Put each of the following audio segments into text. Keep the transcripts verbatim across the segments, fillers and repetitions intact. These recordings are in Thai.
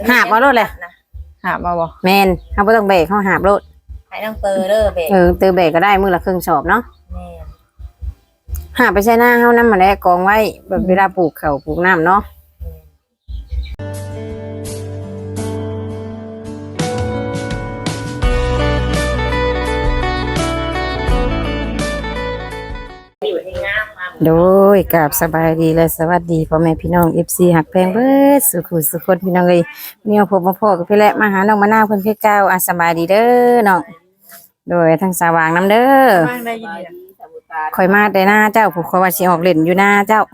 หาบเอาโลดเลยหาบมาบ่แมนเขาบ่ต้องเบรกเขาหาบโลดให้น้องเตอเด้อเบรกเออเตอเบรกก็ได้มือละครึ่งสอบเนาะแม่หาไปใช้หน้าเฮานำมาแล้วกองไว้แบบเวลาปลูกข้าวปลูกน้ำเนาะโดยกับสบายดีและสวัสดีพ่อแม่พี่น้อง เอฟ ซี หักแพงเบิดสุขุสุขคนพี่น้องเอ้ยเนี่ยพบมาพ่อกับพี่แหละมาหาน้องมะนาวเพิ่นคือเก่าอ่ะสบายดีเด้อน้องโดยทั้งสว่างน้ำเด้อข่อยมาแต่หน้าเจ้าผู้ข่อยว่าสิออกเล่นอยู่หน้าเจ้า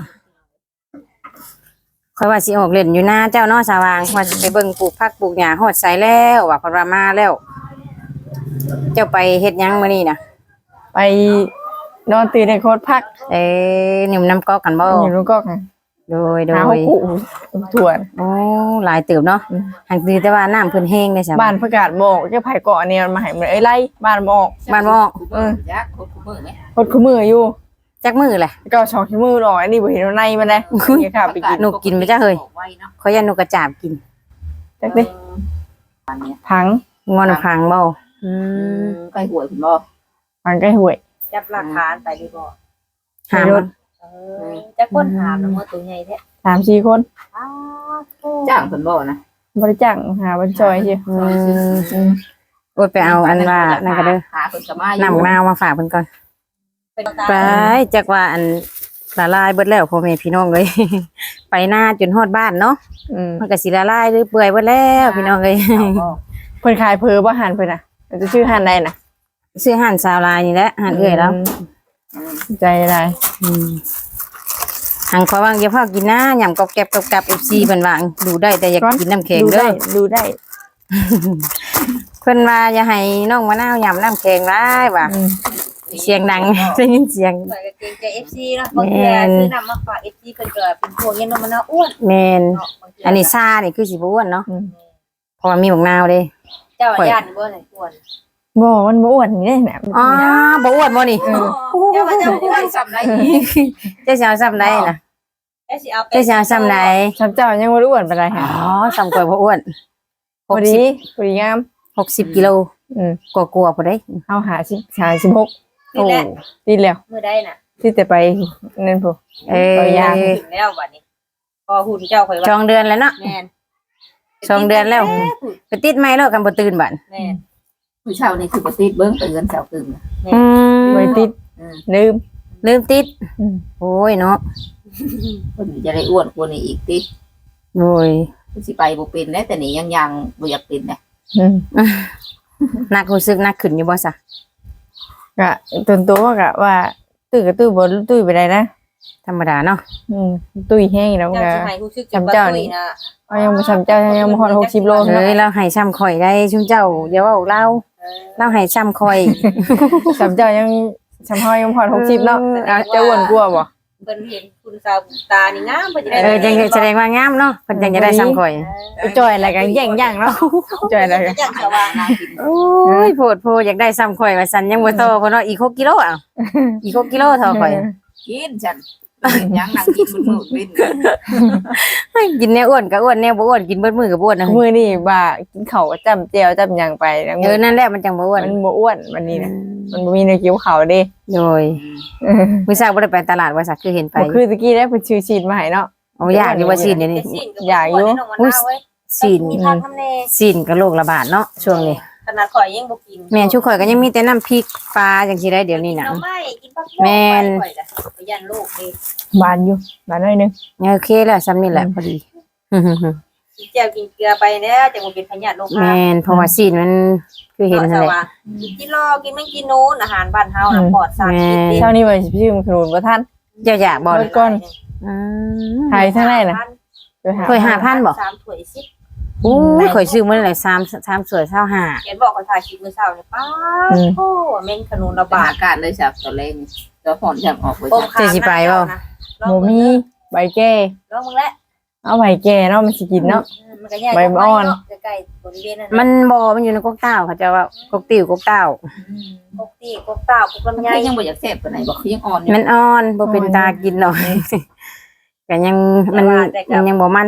ข่อยว่าสิออกเล่นอยู่หน้าเจ้าเนาะสว่างว่าสิไปเบิ่งปลูกผักปลูกหญ้าฮอดไสแล้วว่าเพิ่นว่ามาแล้วเจ้าไปเฮ็ดหยังมื้อนี้น่ะไปนอนตีในโคตรพักเอ้นิ่มน้ำก๊อกกันบ่อยู่ลูกก๊อกโดยโดยถ่วนโอ้หลายเติบเนาะหักดีแต่ว่าน้ำเพิ่นแห้งได้ใช่บ้านประกาศหมอกเจ้าไผ่เกาะเนี่ยมาให้มันเอ้ยไล่บ้านหมอกบ้านหมอกเออจักโคตรมือมั้ยโคตรมืออยู่จักมือแหละก็สองขี้มือหน่อยอันนี้บ่เห็นในมันเลยนี่ค่ะไปกินนกกินบ่จ้ะเฮ้ยขอยยันนกกระจาบกินจักดิพังงอนพังบ่อืมไก่หวยพุ่นบ่พังไก่หวยจับหลักฐานไปดีบ่หามเออจักคนหามน้ำมือตัวใหญ่แท้สามสี่คนอ้าวจ้างเพิ่นบ่นะบ่ได้จ้างหาบ่จอยซิอืมโอ้ยไปเอาอันว่านั่นก็เด้อหาเพิ่นก็มาอยู่น้ำนาวมาฝากเพิ่นก่อนไปจักว่าอันละลายเบิดแล้วพ่อแม่พี่น้องเอ้ยไปหน้าจนฮอดบ้านเนาะอืมมันก็สิละลายหรือเปื่อยเบิดแล้วพี่น้องเอ้ยเพิ่นขายเผือบ่หันเพิ่นน่ะจะชื่อหันใดน่ะซื้อหั่นซาวลายนี่แหละหั่นเอื้อยแล้วใจได้อืมหังขอวางอย่าพากินนะยำกอบแกบกับ เอฟ ซี เพิ่นว่าดูได้แต่อยากกินน้ำแข็งเด้อดูได้เพิ่นว่าอย่าให้น้องมะนาวยำน้ำแข็งหลายว่าเสียงดังได้ยินเสียงเกรงใจ เอฟ ซี เนาะบางทีซื้อน้ำมาฝาก เอฟ ซี เพิ่นก็เป็นพวกเย็นน้องมะนาวอ้วนแม่นอันนี้ซ่านี่คือสิบ่อ้วนเนาะเพราะว่ามีบักนาวเด้เจ้าญาติบ่ไหนอ้วนบ่มันบ่อ้วนนี่แหละอ๋อบ่อ้วนบ่นี่เจ้าว่าเจ้าอ้วนซ้ำได้เจ้าสิเอาซ้ำได้น่ะเจ้าสิเอาเจ้าสิเอาซ้ำได้ซ้ำเจ้ายังบ่อ้วนปานใดฮะอ๋อซ้ำกว่าบ่อ้วนพอดีพอดีงามหกสิบกิโลอืมกว่าๆพุ่นเด้เฮาหาสิบ ห้าสิบหกโอ้ติดแล้วมื้อใดน่ะติดแต่ไปนั่นพุ่นเอ้ยยางถึงแล้วบัดนี้พอหุ่นเจ้าค่อยว่าสองเดือนแล้วเนาะแม่นสองเดือนแล้วไปติดไม้แล้วกันบ่ตื่นบัดแม่นผู้เช่านี่คือบ่ติดเบิ่งเตือนเช้าตื่นอืมบ่ติดลืมลืมติดโอ้ยเนาะเพิ่นจะได้อ้วนกว่านี้อีกติโอ้ยสิไปบ่เป็นแล้วแต่นี่ยังยังบ่อยากเป็นนะอืมนักรู้สึกนักขึ้นอยู่บ่ซะก็ตนตัวก็ว่าตื้อก็ตื้อบ่ตื้อไปได้นะธรรมดาเนาะอืมตุ้ยแห้งแล้วก็จำเจ้านี่นะเอายังบ่จำเจ้ายังบ่ฮอดหกสิบโลเอ้ยเราให้ซ้ำข่อยได้ชุมเจ้าอย่าเว้าเราเราให้ซ้ำข่อยจำเจ้ายังจำเฮายังพอหกสิบเนาะจะอ้วนกว่าบ่เพิ่นเห็นคุณสาวตานี่งามเพิ่นจะได้เออจังแสดงว่างามเนาะเพิ่นจังจะได้ซ้ำข่อยจ่อยอะไรกันแย่งย่างเนาะจ่อยอะไรกันย่างสว่างน่ากินโอ้ยโพดโพอยากได้ซ้ำข่อยว่าซั่นยังบ่โตเพิ่นเนาะอีกหกกิโลอ่ะอีกหกกิโลเท่าข่อยกินฉันยังนั่งกินมื้อมื้อเป็นกินแนวอ้วนก็อ้วนแนวบ่อ้วนกินเบิดมื้อก็บ่อ้วนนะมื้อนี้ว่ากินข้าวจ้ำแจ่วจ้ำหยังไปเออนั่นแหละมันจังบ่อ้วนมันบ่อ้วนวันนี้นะมันบ่มีแนวกินข้าวเด้โดยมื้อเช้าบ่ได้ไปตลาดว่าซักคือเห็นไปคือตะกี้ได้เพิ่นชื่อชีดมาให้เนาะอ๋ออยากอยู่ว่าชีดเดี๋ยวนี้อยากอยู่อุ๊ยชีดชีดก็โรคระบาดเนาะช่วงนี้ขนาดข่อยยังบ่กินแม่ชุข่อยก็ยังมีแต่น้ำพริกปลาจังซี่ได้เดี๋ยวนี้น่ะแม่นไปยันลูกเด้บานอยู่บานหน่อยนึงโอเคแล้วซ้ำนี่แหละพอดีกินแจ่วกินเกลือไปแล้วจังบ่เป็นพยาธิโรคแม่นเพราะว่าชีดมันคือเห็นนั่นแหละกินรอกินแม่งกินนู้นอาหารบ้านเฮาน่ะปลอดสารพิษเช้านี้ว่าสิชื่อขนุนบ่ทันเจ้าอยากบ่ก่อนอืมหายเท่าไหร่น่ะเคยห้าพันบ่สามถ้วยสิบโอ้ยข่อยซื้อมื้อละสาม สามสวยเท่าห้าเขียนบอกเขาถ่ายคลิปมื้อเช้านี่ป๊าโอ้แม่งขนุนระบาดอากาศเลยจ้ะตอนแรกตัวฝนจังออกเบ่จะสิไปบ่บ่มีใบแก้ลองมึงแหละเอาใบแก่เนาะมันสิกินเนาะใบอ่อนใกล้ๆบริเวณนั้นมันบ่มันอยู่ในกกเต้าเขาจะว่ากกติ๋วกกเต้ากกติ๋วกกเต้ากกลำไยยังบ่อยากแซ่บปานไหนบ่คือยังอ่อนมันอ่อนบ่เป็นตากินหน่อยก็ยังมันมันยังบ่มันแม่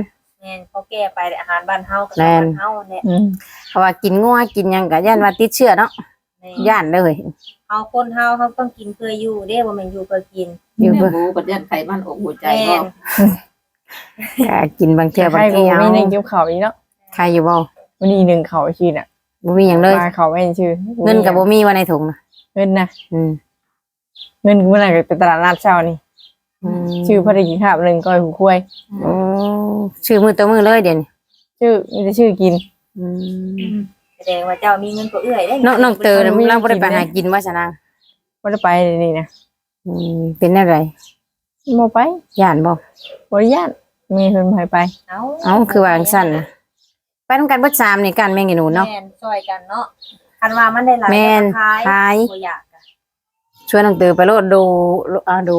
ม่นเขาแก้ไปอาหารบ้านเฮากับบ้านเฮาเนี่ยอืมเพราะว่ากินงัวกินหยังก็ย่านว่าติดเชื้อเนาะย่านเลยเฮาคนเฮาเฮาต้องกินเพื่ออยู่เด้บ่แม่นอยู่เพื่อกินอยู่แม่เพื่อหมูประเด็นไขมันอกหัวใจแม่ก็นก็กินบางเทื่อบางใครทีก็เอามีหนึ่งเกี่ยวเขาอีกเนาะใครอยู่บ่วันนี้หนึ่งเขาชีน่ะบ่มีหยังเลยมาเขาไม่ชื่อเงินก็บ่มีว่าในถุงน่ะเงินนะอืมเงินเมื่อไหร่ไปตลาดนัดเช้านี่อืมชื่อพอได้กินข้าวหนึ่งก้อยหูคุ้ยโอ้ชื่อมือตัวมือเลยเดี๋ยวนี้ชื่อมีแต่ชื่อกินอืมแสดงว่าเจ้ามีเงินกว่าเอื้อยได้น้องน้องเตอน่ะเราบ่ได้ไปหากินว่าซะนางว่าจะไปนี่นะอืมเป็นอะไรโมไปย่านบ่บริญาตมีคนพายไปเอ้าเอ้าคือว่าจังซั่นน่ะไปนำกันเบิดสามนี่กันแม่งอีหนูเนาะแม่นช่วยกันเนาะคันว่ามันได้หลายแม่นขายขายบ่อยากอะชวนน้องเตอไปโลดดูอ่าดู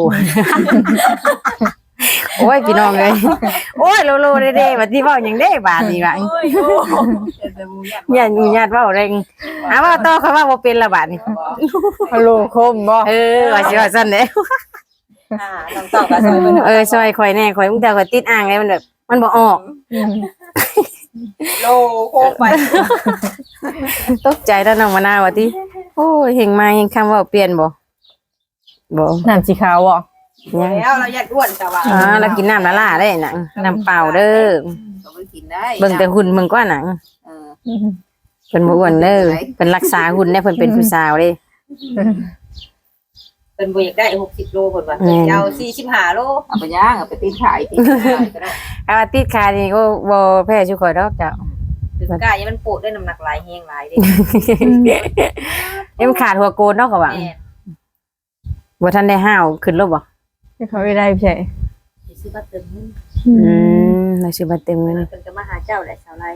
โอ้ยพี่น้องเอ้ยโอ้ยโลโลเด้ๆบัดนี้เว้าหยังเด้บาดนี้ว่าโอ้ยโอ้ญาติญาติเว้าแรงหาว่าต่อเขาว่าบ่เป็นละบาดนี้ฮัลโหลโคมบ่เออว่าสิว่าซั่นเด้อ่าต้องตอบกับซอยเพิ่นเออซอยข่อยแน่ข่อยมึงแต่ข่อยติดอ่างเลยมันแบบมันบ่ออกโลโคไปตกใจแล้วน้องมะนาวว่าติโอ้ยเฮงมาเฮงคำเว้าเปลี่ยนบ่บ่น้ำสีขาวบ่ยังแล้วเราอยากอ้วนแต่ว่าอ่าแล้วกินน้ำละล่าได้น่ะน้ำเปล่าเด้อก็ไม่กินได้เบิ่งแต่หุ่นมึงกว่าหนังเออเพิ่นบ่อ้วนเด้อเพิ่นรักษาหุ่นได้เพิ่นเป็นผู้สาวเด้เป็นบ่อยากได้หกสิบโลเพิ่นว่าแม่นเจ้าสี่สิบห้าโลเอาไปย่างเอาไปตีขายตีขายก็ได้ถ้าว่าติดขานี่ก็บ่แพ้ชุข่อยดอกเจ้าถึงกายยังมันโปวดด้วยน้ำหนักหลายแฮงหลายเด้เอ็มขาดหัวโกนเนาะก็ว่าแม่บ่ทันได้ห้าวขึ้นรถบ่ที่เขาไม่ได้ใช่สิซื้อบัตรเติมเงินอืมเราสิมาเต็มเงินเพิ่นก็มาหาเจ้าแหละสาวไร่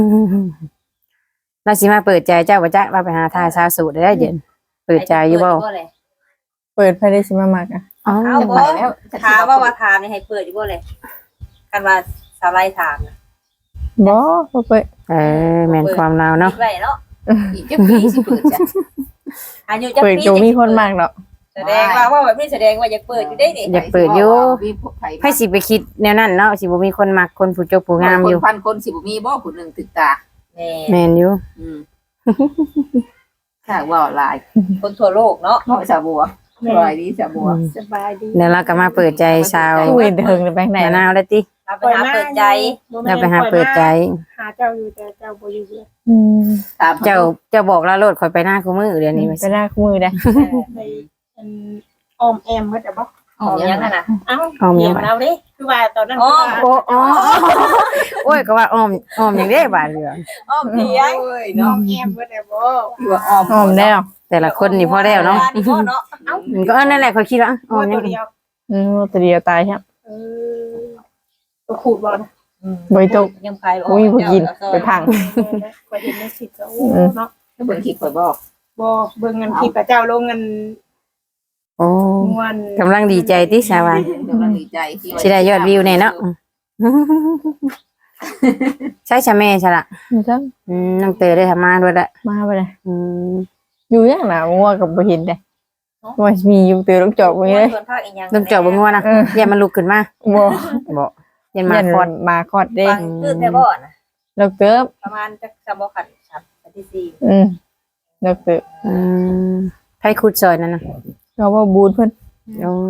เราสิมาเปิดใจเจ้าบ่จ๊ะว่าไปหาทายสาวสูตรได้เดี๋ยวเปิดใจอยู่บ่เปิดไฟได้สิมามากอ่ะอ๋อเอาบ่ถามว่าว่าถามนี่ให้เปิดอยู่บ่เลยคันว่าสาวไร่ถามน่ะบ่บ่เปิดเออแม่นความเราเนาะปิดไว้เนาะอีกจะปีสิเปิดจ้ะอายุจักเปิดปีโจมีคนมากดอกแสดงว่าว่าแบบนี้แสดงว่าอยากเปิดอยู่ได้นี่อยากเปิดอยู่มีไผไผสิไปคิดแนวนั้นเนาะสิบ่มีคนมักคนผู้จบผู้งามอยู่คนพันคนสิบ่มีบ่ผู้หนึงติดตาแม่แม่นอยู่อืมถ้าว่าหลายคนทั่วโลกเนาะเนาะสาบัวสบายดีสาบัวสบายดีเดี๋ยวเราก็มาเปิดใจชาวตู้เห็นเถิงในแบงค์ไหนมะนาวได้ติเราไปหาเปิดใจเราไปหาเปิดใจหาเจ้าอยู่แต่เจ้าบ่อยู่เลยอืมตามเจ้าเจ้าบอกเราโลดข่อยไปหน้าคู่มือเดี๋ยวนี้ว่าไปสิหน้าคู่มือได้ในอันออมแอมก็จะบอกหอมยังอะนะเอ้าอ้อมเหียัยงวบาดเราดิคือว่าตอนนั้นอ๋อโอ้อ๋อโอ้ยก็ว่าอ้อมอ้อมหยังได้บาดเดียวอ้อมเพียงโอ้ยออเนาะมแอมก็จะบอกที่ว่าอ้อมหอมแล้วแต่ละคนนี่พอแล้วเนาะนี่พ่อเนาะมันก็เออนั่นแหละเขาคิดว่าอ้อว่ามยัตังวเดียวอืมตัวเดียวตายครับเออตัวขูดบอลบริจกยังพายอุ้ยผู้กินไปพังไปเห็นในสิทธิ์ก็โอ้อืมเนาะถ้าเบิ่งคลิปข่อยบอกบอเบิ่งเงินที่พระเจ้าลงเงินโอ้งวนกำลังดีใจที่สาวากำลังดีใจที่สิได้ยอดวิวแน่เนาะใช่ใช่แม่ใช่ละมันจังอืมน้องเตยได้ทำมาด้วยละมาไปเลยอืมอยู่อย่างหนางัวกับบ่เห็นได้ว่ามีอยู่เตือลูกจอกไว้เลยส่วนภาคอีกอย่างต้องเจาะบ่งัวนะเอออย่ามันลุกขึ้นมาบ่บ่ยันมายันคอดมาคอดเด้ฟังคือแต่บ่อนะลูกเติบประมาณจักสามบ่ขันสามอันที่สี่อืมลูกเติบอืมไผขุดซอยนั่นน่ะเราว่าบูดเพิ่นโอ้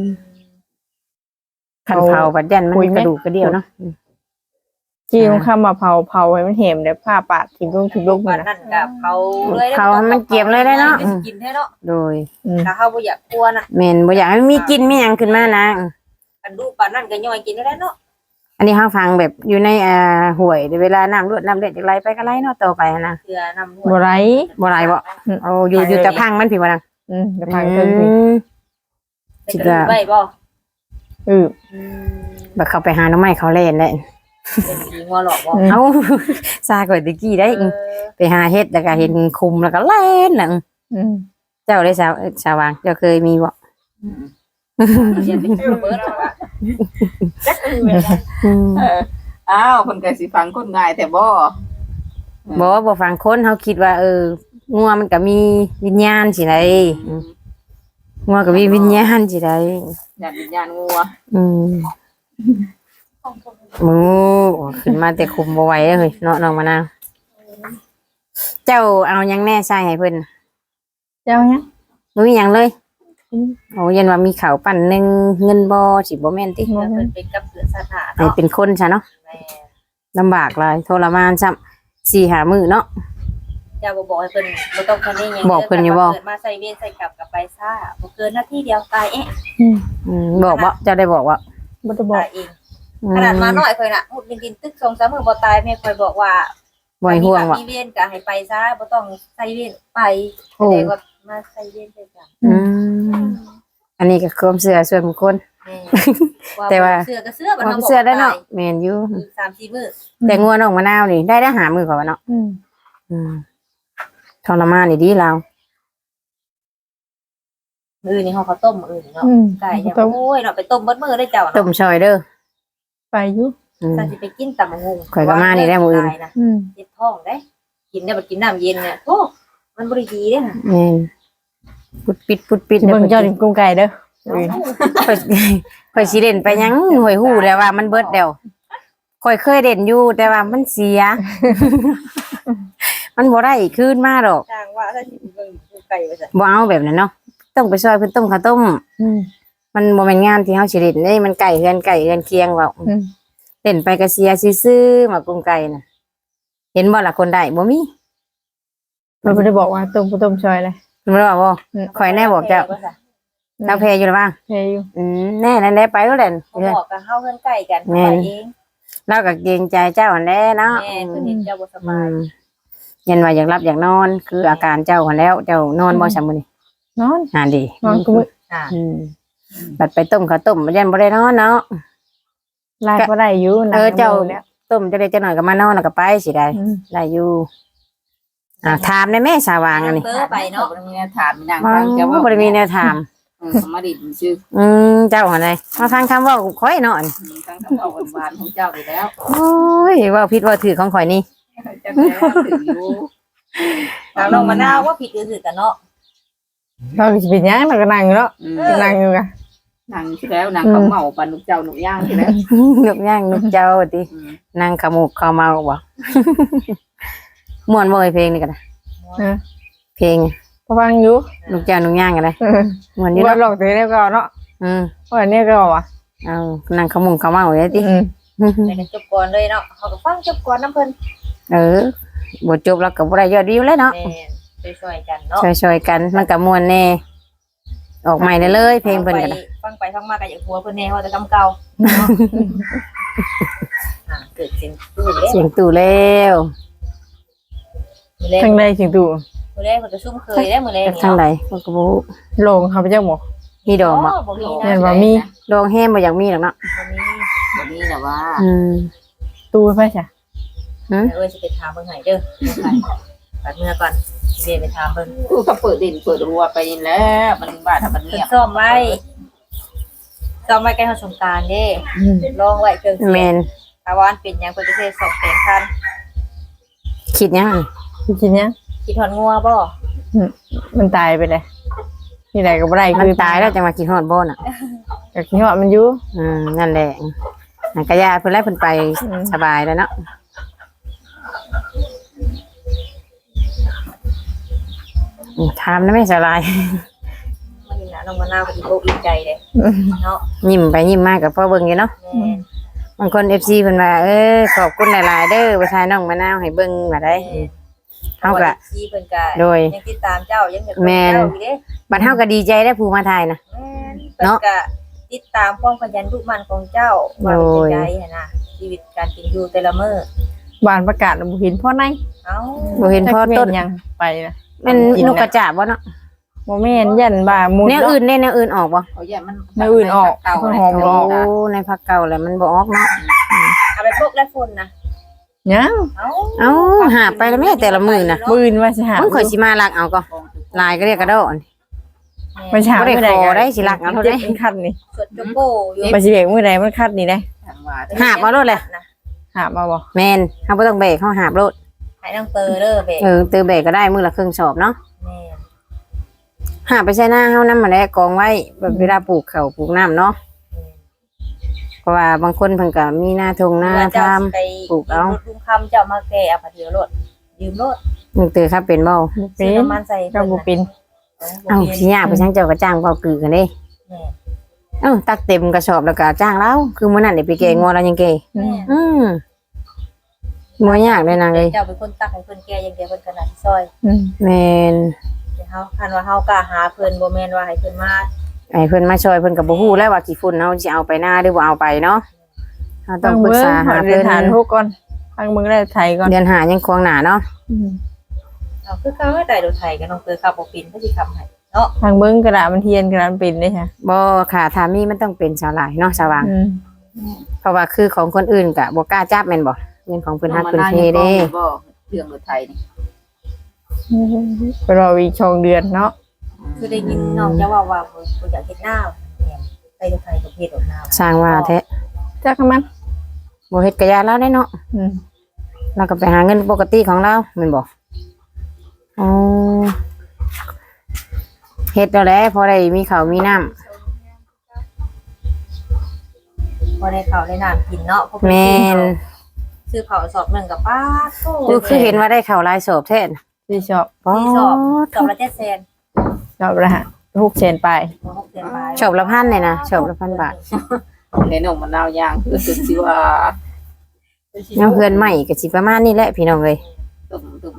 คันเผาบัดยันมันคุยไหมกระดูกกระเดี่ยวเนาะจี้มันเข้ามาเผาเผาให้มันเห็มเดี๋ยวผ้าปาดทิ้งลงทิ้งลงวันนะนั้นกับเขาเลยเผาให้มันเกรียมเลยได้เนาะกินแท้เนาะโดยอืมถ้าเขาบ่อยากกลัวน่ะแม่นบ่อยากให้มันมีกินมีหยังขึ้นมานะอันดูปานนั้นก็ย่อยกินได้เนาะอันนี้เฮาฟังแบบอยู่ในอ่าห้วยเวลาน้ำรวดน้ำเด็ดจักไหลไปก็ไหลเนาะต่อไปนะเกลือนำบ่ไรบ่ไหลบ่โอ้อยู่อยู่แต่พังมันผิดบ่ดังอืมเดี๋ยวพังเพิ่นสิอืมคิดว่าไว้บ่เอออืมบักเข้าไปหาหน้องไม้เขาเล่นได้เป็นผีงัวหลอกบ่เอ้า ซาก่อยตะกี้ได้เออไปหาเฮ็ดแล้วก็เห็นคุมแล้วก็เล่นน่ะอืมเจ้าได้สาวสาวางเจ้าเคยมีบ่เรียนเป็นเบิร์ดเอาละจักเออแบบนั้นอืมเอออ้าวคนก็สิฟังคนง่ายแต่บ่บ่ว่าบ่ฟังคนเฮาคิดว่า เอองัวมันก็มีวิญญาณสิไดงัวก็มีวิญญาณสิไดญาติวิญญาณงัวอืมหมูขึ้นมาแต่คุมบ่ไหวเลยเนาะน้องมะนาวเจ้าเอาหยังแน่ใส่ให้เพิ่นเจ้าเนี่ยบ่มีหยังเลยโอ้ยันว่ามีข้าวปั้นหนึงเงินบ่สิบ่แม่นติเพิ่นเป็นกับเสือสถานให้เนาะเป็นคนซะเนาะแม่ลำบากหลายทรมานซ้ำสี่ห้ามื้อเนาะเจ้าบ่บอกให้เพิ่นบ่ต้องคันนี้หยังบอกเพิ่นอยู่บ่เกิดมาใส่เวรใส่กลับกับไปซ่าบ่เกินนาทีเดียวตายเอ๊ะอืมอืมบอกบ่เจ้าได้บอกว่าบ่ได้บอกตายเองขนาดมาน้อยค่อยน่ะมุดดินๆตึกสองสามมื้อบ่ตายแม่ค่อยบอกว่าบ่ให้ห่วงว่ะมีเวรก็ให้ไปซะบ่ต้องใส่เวรไปโอ้แสดงว่ามาใส่เวรใส่กลับอืมอันนี้ก็ความเชื่อส่วนบุคคลแม่แต่ว่าเสื้อก็เสื้อบ่ควาต้อมงบอกเชื่อได้เนาะแม่นอยู่อีกสามสี่มื้อแต่งัวน้องมะนาวนี่ได้ได้หามือกว่าเนาะอืมอืมทรมานนี่ดีเรามื้อนี้เฮาข้าวต้มมื้อนี้เนาะอืมไก่ยังต้มโอ้ยเนาะไปต้มเบิดมื้อได้เจ้าต้เนาะมซอยเด้อไปอยู่อืมถ้าสิไปกินตำบักหุ่งข่อยก็มานี่ได้มื้ออื่นนะอืมเจ็บท้องได้กินได้บ่กินน้ำเย็นเนี่ยโอ้มันบ่ได้ดีเด้ค่ะแม่นปุดปิดปุดปิดเบิ่งเจ้าดิกุ้งไก่เด้อข่อยข่อยสิเด่นไปหยังหวยหู้แล้วว่ามันเบิดแล้วข่อยเคยเด่นอยู่แต่ว่ามันเสีย มันบ่ได้คืนมาดอกจ้างว่าถ้าสิเบิ่งกูไก่ว่าซั่นบ่เอาแบบนั้นเนาะต้องไปซอยเพิ่นต้มข้าวต้มอืมมันบ่แม่นงานที่เฮาสิเล่นเด้มันไก่เฮือนไก่เฮือนเคียงเว้าอืมเล่นไปก็เสียซื่อๆหมากรุงไก่น่ะเห็นบ่ล่ะคนได้บ่มีมันบ่ได้บอกว่าต้มบ่ต้มซอยเลยเพิ่นว่าบ่ข่อยแน่บอกเจ้าว่าซั่นเจ้าแพอยู่หรือเปล่าเพอยู่อืมแน่นั่นแหละไปแล้วแหละเขาบอกกับเฮาเฮือนไก่กันแม่ไปนเองเราก็เกรงใจเจ้าหั่นแหละเนาะแม่เพิ่นเห็นเจ้าบ่สอืบายมยันว่าอยากรับอยากนอน คืออาการเจ้าหั่นแล้วเจ้านอนบ่ซำมื้อนี้นอนอ่าดีนอนกูมื้ออ่าอืมบัดไปต้มข้าวต้มยันบ่ได้นอนเนาะลายบ่ได้อยู่เออเจ้าแล้วต้มจะได้จักหน่อยก็มานอนแล้วก็ไปสิได้อืมได้อยู่อ่าถามได้แม่สาวางอันนี้เตอไปเนาะบ่ได้มีแนวถามมีนางอ๋ฟังจะอว่าบ่ได้มีแนวถามอืมมาดินชื่ออืมเจ้าอะไรมาฟังคำเว่าข่อยเนาะตั้งคำเอาหวานของเจ้าอยู่แล้วโอ้ยเว่าผิดเว่าถือของข่อยนี่จังแล้วถึงอยู่ทางน้องมะนาวว่าผิดหรือถูกกันเนาะเราสิเป็นหยังเราก็นั่งอยู่เนาะอืมนั่งอยู่กะนางที่แล้วนางเขาเมาปันลูกเจ้าหนุกย่างที่แล้วนุกย่างนุกเจ้าติอืมนั่งขมูกขาวเมาบ่ ม่วนบ่เอ้ยเพลงนี่กันนะเออเพลงพอฟังอยู่นุกเจ้านุกย่างกันเลยเออม่วนอยู่ว่าเนาะหลอกตัวนี้ก็เนาะอืมว่าเนี่ยก็ว่ะเอานั่งขมูกขาวเมาเลยติอืมแต่กันจบก่อนเลยเนาะเขาก็ฟังจบก่อนน้ำเพิ่นเออบ่จบแล้วก็บ่ได้ยอดวิวเลยเนาะแม่ไปช่วยกันเนาะช่วยๆกันมันก็ม่วนแน่ออกใหม่ได้เลยเพลงเพิ่นก็ฟันะฟังไปฟังมาก็อยากหัวเพิ่นแน่ว่าแต่กำเก่าเนาะอ่าเกิดเสียงตู้เด้เสียงตู่แล้วมื้อแรกทางใดสิงตู่มื้อแรกมันก็ซุ่มเคยได้มื้อแรกจากนี่ทางเนาะใดมันก็บ่รู้โลงเขาไปเจ้าหมอมีดอกบ่อ๋อบ่มีเห็นะนว่ามีดอกแห้มบ่อยากมีหรอกเนาะบ่มีวันนี้แต่ว่าอืมตู้ไปจ้ะเดี๋ยวเอ้ยสิไปถามเพิ่นให้เด้อปัดเมื่อก่อนสิไปถามเพิ่นตู้ก็เปิดดินเปิดรัวไปแล้วมันบ้าถ้ามันเพิ่เงีนยบซ่อมไว้ซ่อมไว้ใกล้เฮาสงกรานต์เด้อืมลองไว้เครื่องเสีแมยงนถ้าว่าอันเป็นหยังเพิ่นจะเทสองแสนคันคิดยังสิกินยังคิดฮอดงัวบ่มันตายไปเลยนี่ไหนก็บ่ได้มันคือตายแล้วจะมากินฮอดบ่น่ะก็คิดว่ามันอยู่อืมนั่นแหละนันกะยาเพิ่นไล่เพิ่นไปอืมสบายแล้วเนาะอืมถามนะแม่สลายมันนี่นะน้องมะนาวก็อีโกอีใจเด้อืมเนาะยิ้มไปยิ้มมากับพ่อเบิ่งอยู่เนาะแม่นบางคน เอฟ ซี เพิ่นว่าเออขอบคุณหลายๆเด้อประชายน้องมะนาวให้เบิ่งว่าได้เฮาก็ชี้เพิ่นก็โดยยังติดตามเจ้ายังอยากแม่นเจ้าอยู่เด้บัดเฮาก็ดีใจได้ผู้มาถ่ายนะแม่นเพิ่นก็ติดตามความขยันทุกมันของเจ้าว่าเป็นโดยจังไดหั่นน่ะชีวิตการกินอยู่แต่ละมื้อบ้านประกาศบ่เห็นพ่อในเอ้าบ่เห็นพ่อต้นจักแม่ยังไปนะแม่นนกกระจาบบ่เนาะบ่แม่นยันบ่ามุดแนวอื่นได้แนวอื่นออกบ่เขาแย่มันไม่อื่นออกเก่าหอมโอ้ในภาคเก่าแหละมันบ่ออกเนาะเอาไปพกและฝนนะยังเอ้าเอ้าหาไปแล้วแม่แต่ละมื้อน่ะมื้ออื่นว่าสิหามึงข่อยสิมาลักเอาก็ลายก็เรียกกระโดดไปหาบ่ได้มื้อใดขอได้สิรักเอาเท่าใดมันคัดนี่สดจุโก้อยู่ไปสิเบกมื้อใดมันคัดนี่ได้ทางว่าหาบเอาโลดเลยนะหามาบ่แม่นเฮาบ่ต้องแบกเฮาหาบโลดให้น้องเตอเด้อเบกเออตือแบกก็ได้มื้อละครึ่งสอบเนาะแม่นหาไปใส่หน้าเฮานำมาแล้วกองไว้แบบเวลาปลูกข้าวปลูกน้ำเนาะเพราะว่าบางคนเพิ่นก็มีหน้าทงหน้าเมื่อทเจ้าสิไปปลูกเอารถลุงคำเจ้ามาแก่เอาผ้าเดียวรถยืมรถำมึงตื่นครับเป็นบ่ซื้อน้ำมันใส่เจ้าบ่เป็นเอ้าสิยากไปช่างเจ้าก็จ้างเว้ากือกันเด้แม่เอ้าตักเต็มกระสอบแล้วก็จ้างแล้วคือมื้อนั้นได้ไปแกงงัวแล้วยังแกแม่อืมบ่ยากเลยนางเอ้ยเจ้าเป็นคนตักให้เพิ่นแก่อย่างเดียวเพิ่นก็น่าสิซอยอืมแม่นแต่เฮาคันว่าเฮากล้าหาเพิ่นบ่แม่นว่าให้เพิ่นมาไอ้เพิ่นมาช่วยเพิ่นก็บ่ฮู้แล้วว่ากี่ฝุ่นเฮาสิเอาไปหน้าหรือบ่เอาไปเนาะเฮาต้ต้ออง งปรึกเบิ่งษาหาเรียเพิ่นนฐานทุกก่อนทางเบิ่งได้ไทยก่อนเดือนหายังควงหน้าเนาะอืมเอาคือเขาให้ได้รถไถก็น้องเตอขับบ่เป็นก็สิขับให้เนาะทางเบิ่งกระดาษมันเทียนกระดาษมันเป็นได้ค่ะบ่ค่ะถ้ามีมันต้องเป็นชาวหลายเนาะสว่างอืมเพราะว่าคือของคนอื่นก็บ่กล้าจับแม่นบ่เงินของเพิ่นฮักเพิ่นเทเด้บ่เรื่องรถไทยนี่ไปรออีกช่องเดือนเนาะคือได้ยินน้องจะว่าว่าบ่บ่อยากเฮ็ดหน้าแม่นไปรถไถก็เฮ็ดรถหน้าสร้างว่าแท้จักมันบ่เฮ็ดกะยาแล้วได้เนาะอืมเราก็ไปหาเงินปกติของเราแม่นบ่อ๋อเฮ็ดแล้วแหละพอได้มีข้าวมีน้ำบ่ได้ข้าวได้น้ำกินเนาะเพราะเพิ่แม่นซื้อข้าวสอบหนึงก็ป้าโตคือคือเห็นว่าได้ข้าวหลายสอบแท้น่ะที่ชอบอ๋อที่สอบสอบละเจ็ดแสนชอบละฮะหกเชนไปบ่หกแสนบาทชอบละพันเลยนะชอบละพันบาทในนองมะนาวย่างคือสุดสิว่าน้ำเพื่อนใหม่ก็สิประมาณนี้แหละพี่น้องเอ้ยตุ่มตุ่ม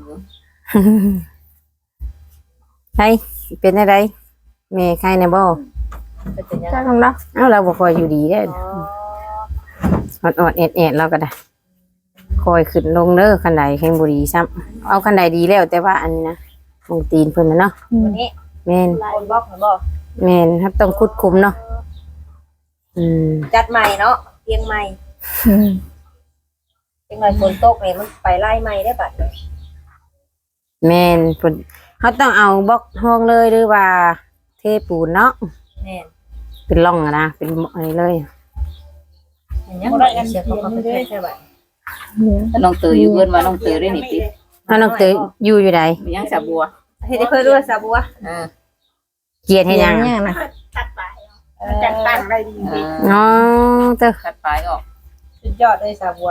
ไห้เป็นได้ไดแม่ใครในบ่เป็นยังจัไงกมันเนาะเอ้าเราบ่ค่อยอยู่ดีเด้ออ๋ออดๆแอดๆเราก็ได้คอยขึ้นลงเด้อคันใดแห่งบ่ดีซ้ำเอาคันใดดีแล้วแต่ว่าอันนี้นะมงตีนเพิ่นน่ะเนาะวันนี้แม่นคนบอกผมบอกแม่นครับต้องคุดคุมเนาะอืมจัดใหม่เนาะเตียงใหม่อืมเตียงใหม่ฝนตกเนี่ยมันไปไล่ใหม่ได้บัดนี้แม่นเพิ่นเฮาต้องเอาบล็อกห้องเลยหรือว่าเทปูนเนาะแม่นเป็นร่องอะนะเป็นอันนี้เลยเห็นยังบ่ได้เสียเขามาเป็นแค่บัดเนี่ยน้องเตยอยู่เพิ่นว่าน้องเตยได้นี่ติเฮาน้องเตยอยู่อยู่ใดมีหยังสาบัวเฮ็ดให้เพิ่นด้วยซาบัวเออเกลียดให้ยังเลี้อะงนะตัดไปมันจังตั้งได้ดีเอออ๋อเตอตัดปลายออกสุดยอดเลยซาบัว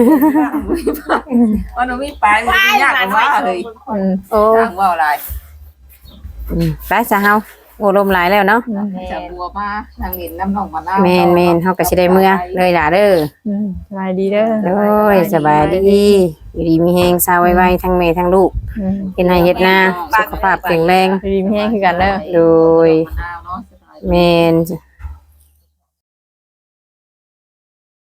ว่าหนูมีปลายมันยากกว่าเฮ้ยอืมโอ้ทางว่าวหลายอืมไปซะเฮาโอ้ลมหลายแล้วเนาะสาบัวมาทางนี้น้ำน้องมะนาวแม่นแม่นเฮาก็สิได้เมื่อเลยล่ะเด้ออืมสบายดีเด้อโอ้ยสบายดีอยู่ดีมีแฮงซาไวๆทั้งแม่ทั้งลูกอืมเฮ็ดให้เฮ็ดนาสุขภาพแข็งแรงดีมีแห้งคือกันเด้อโดยมะนาวเนาะสบายแม่น